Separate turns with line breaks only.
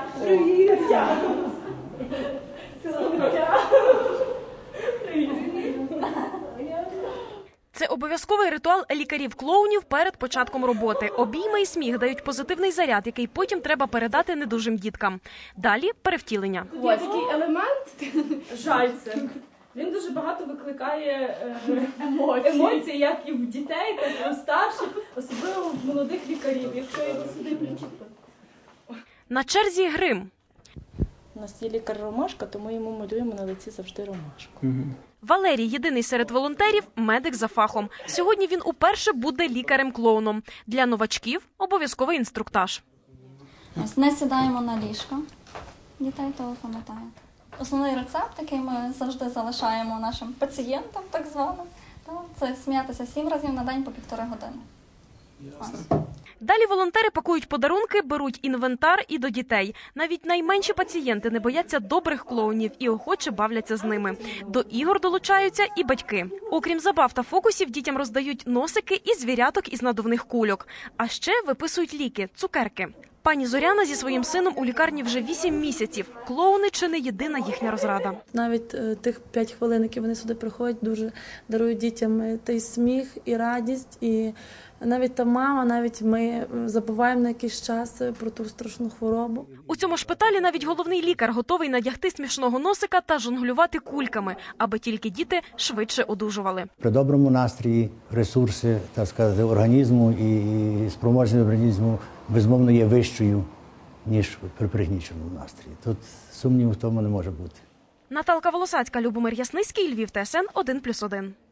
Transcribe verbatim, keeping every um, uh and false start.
Привіт!
Це обов'язковий ритуал лікарів-клоунів перед початком роботи. Обійми і сміх дають позитивний заряд, який потім треба передати недужим діткам. Далі – перевтілення.
Є такий елемент жальце. Він дуже багато викликає е, емоцій. емоцій, як і в дітей, так і у старших, особливо в молодих лікарів, якщо його сюди причепити.
На черзі грим.
У нас є лікар Ромашка, тому йому малюємо на лиці завжди ромашку.
Валерій – єдиний серед волонтерів – медик за фахом. Сьогодні він уперше буде лікарем-клоуном. Для новачків – обов'язковий інструктаж.
Ось не сідаємо на ліжко. Дітей то ви пам'ятаєте. Основний рецепт, який ми завжди залишаємо нашим пацієнтам, так званим, це сміятися сім разів на день по півтори години. Ось.
Далі волонтери пакують подарунки, беруть інвентар і до дітей. Навіть найменші пацієнти не бояться добрих клоунів і охоче бавляться з ними. До ігор долучаються і батьки. Окрім забав та фокусів, дітям роздають носики і звіряток із надувних кульок. А ще виписують ліки – цукерки. Пані Зоряна зі своїм сином у лікарні вже вісім місяців. Клоуни – чи не єдина їхня розрада.
Навіть е, тих п'ять хвилин, які вони сюди приходять, дуже дарують дітям той сміх і радість. І навіть та мама, навіть ми забуваємо на якийсь час про ту страшну хворобу.
У цьому шпиталі навіть головний лікар готовий надягти смішного носика та жонглювати кульками, аби тільки діти швидше одужували.
При доброму настрої ресурси, так сказати, організму і спроможність організму безумовно є вищою, ніж при пригніченому настрої. Тут сумніву в тому не може бути.
Наталка Волосацька, Любомир Ясницький, Львів, Т С Н один плюс один.